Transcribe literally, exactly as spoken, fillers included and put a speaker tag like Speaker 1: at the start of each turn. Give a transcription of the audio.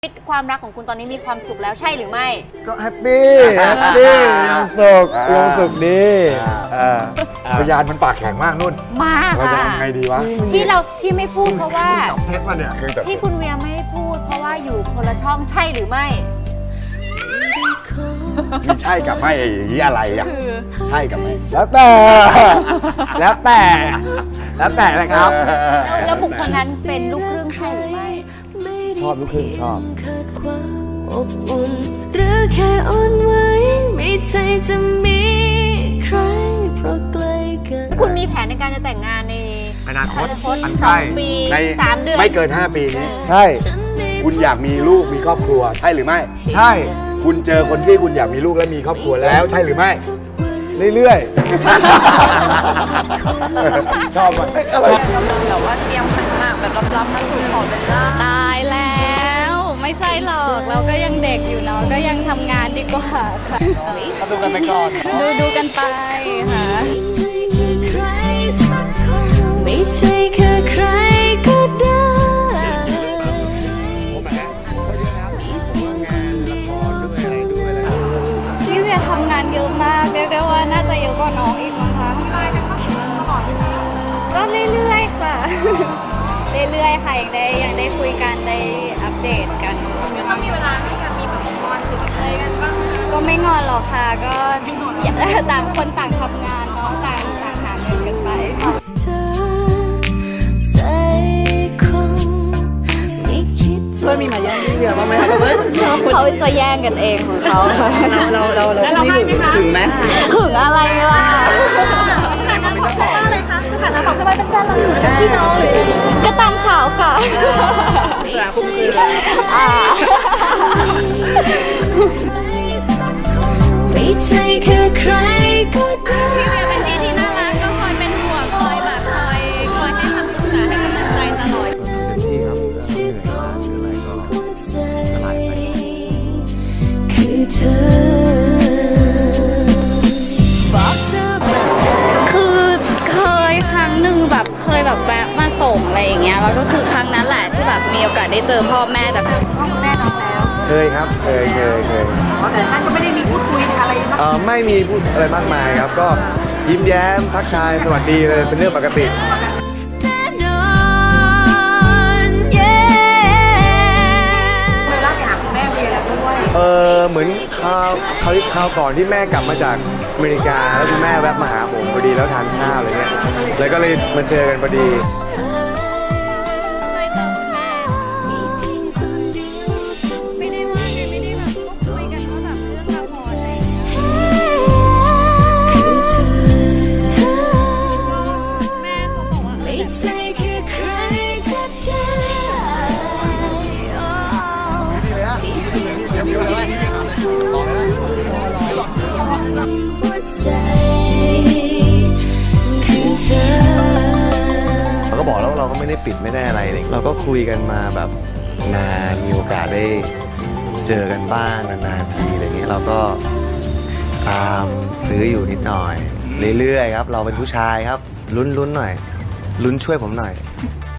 Speaker 1: ชีวิตความรักของคุณตอนนี้มีความสุขแล้วใช่หรือไม่
Speaker 2: ก็แฮปปี้แฮปปี้ยังสุขยังสุขดีพยานมันปากแข็งมากนุ่น
Speaker 1: มาก
Speaker 2: เราจะ
Speaker 1: ค่ะ
Speaker 2: ทำไงดีวะ
Speaker 1: ที่เราที่ไม่พูดเพราะว่า
Speaker 2: จับเท็จมาเนี่ยคือจับ
Speaker 1: ที่คุณเวียไม่พูด เพราะว่าอยู่คนละช่องใช่หรือไม่
Speaker 2: มีใช่กับไม่อย่างนี้อะไรอ่ะ
Speaker 1: คือ
Speaker 2: ใช่กับไม่
Speaker 3: แล้วแต่ แล้วแต่ แล้วแต่นะครับ
Speaker 1: แล้วแล้วบุคคลนั้นเป็นลูกครึ่งใช่หรือไม่
Speaker 3: ชอบลูกครึ่งชอบ
Speaker 4: อบอุ่นหรือแค่อ่อนไหวไม่ใช่จะมีใครเพราะใกล้กัน
Speaker 1: คุณมีแผนในการจะแต่งงานใน
Speaker 2: อนาคต
Speaker 1: อัน
Speaker 2: ใก
Speaker 1: สอ
Speaker 2: ล้
Speaker 1: งปี
Speaker 2: ใน
Speaker 1: สามเดือน
Speaker 2: ไม่เกินห้าปีนี้
Speaker 3: ใช่
Speaker 2: คุณอยากมีลูกมีครอบครัวใช่หรือไม่
Speaker 3: ใช่
Speaker 2: คุณเจอคนที่คุณอยากมีลูกและมีครอบครัวแล้วใช่หรือไม่
Speaker 3: เรื่อย
Speaker 2: ชอบมัน
Speaker 1: แบบว่าเตรียมขันหมากแบบรับๆมาสู่ขอเป็นล่า
Speaker 5: ตายแล้วไม่ใช่หรอกเราก็ยังเด็กอยู่เนาะก็ยังทำงานดีกว่าค่ะ
Speaker 3: ๆดูกันไปก่อน
Speaker 5: ดูดูกันไปค่ะ
Speaker 4: ไม่ใช่แค่ใครก็ได้
Speaker 3: ผมนะผมก็เยอะครับผมว่างานละครด้วยอะไรด้วยอะไร
Speaker 5: พี่เวียทำงานเยอะมากเรียกได้ว่าน่าจะเยอะกว่าน้องอีกมั้งคะก็เรื่อยๆค่ะ เรื่อยๆค่ะยังได้ยังได้คุยกันได้อัปเดตกันก็มีเวลาให้กันมีแบบงอนหรืออะไรกันบ้างก็ไม่งอนหรอกค่ะก็ ต่างคนต่างทำงานเนาะต่างต่างหาเงินกันไปค่ะ
Speaker 4: เธอใจคงไม่คิด
Speaker 6: เพื่อนมีมาแย่งพี่เวียบ้างไหมครับเฮ้ยชอบคน
Speaker 5: เขาจะแย่งกันเองของเขา
Speaker 6: เราเราเราเราไม่ถึงถึงไหม
Speaker 5: ถึงอะไรล่ะก็ตามข่าวค่ะ
Speaker 6: ราคุ้มคือแล้ว
Speaker 5: อ่า
Speaker 4: ไม่ใช่แค่ใครก็ได้
Speaker 5: เป็นที่ที่น่ารักก็คอยเป็นห่วงคอยแบบคอยคอยให้คำปรึกษาให้กำลังใจตลอด
Speaker 3: เต็มที่ครับเหนื่อยมากหรืออะไรก็ละลายไป
Speaker 4: คือเธอบอกเธอแบบ
Speaker 5: คือเคยครั้งหนึ่งแบบเคยแบบแวะมาส่งอะไรอย่างเงี้ยแล้วก็คือครั้งนั้นแหละที่แบบมีโอกาสได้เจอพ่อแม่แต่พ่อแม่น้องแล้ว
Speaker 3: เคยครับ เคยเคยเคย
Speaker 6: แต่ท่านก็ไม่ได้มีพูดคุยอะไรมาก
Speaker 3: เออไม่มีพูดอะไรมากมายครับ ก็ยิ้มแย้มทักทายสวัสดีเลยเป็นเรื่องปกติ
Speaker 4: แน่นอนเย้
Speaker 6: เลยเล่าไปหาคุณแม่เวียแล้วด้วย
Speaker 3: เออเหมือนคราวคราวคราวก่อนที่แม่กลับมาจากอเมริกาแล้วคุณแม่แวะมาหาผมพอดีแล้วทานข้าวอะไรเงี้ยแล้วก็เลยมาเจอกันพอดี
Speaker 5: เคยเจอคุณแม่
Speaker 4: มีเพียงคนเดียวเท่า
Speaker 5: ไม่ได้ว่าไงไม่ได้แบบก็คุยกันว่าแบบเรื่องละครอะไรอย่างเงี้ย
Speaker 4: คือเธอ
Speaker 5: แม่เขาบอกว่าเอ
Speaker 4: ไม่
Speaker 5: อแบบ
Speaker 4: ใช่แค่ใครก็ได้หัวใจคือเธอ
Speaker 3: เราก็บอกแล้วว่าเราก็ไม่ได้ปิดไม่ได้อะไรเลยเราก็คุยกันมาแบบนานมีโอกาสได้เจอกันบ้างนานๆทีอะไรเงี้ยเราก็ตามซื้ออยู่นิดหน่อย เรื่อยๆครับ เราเป็นผู้ชายครับลุ้นๆหน่อยลุ้นช่วยผมหน่อย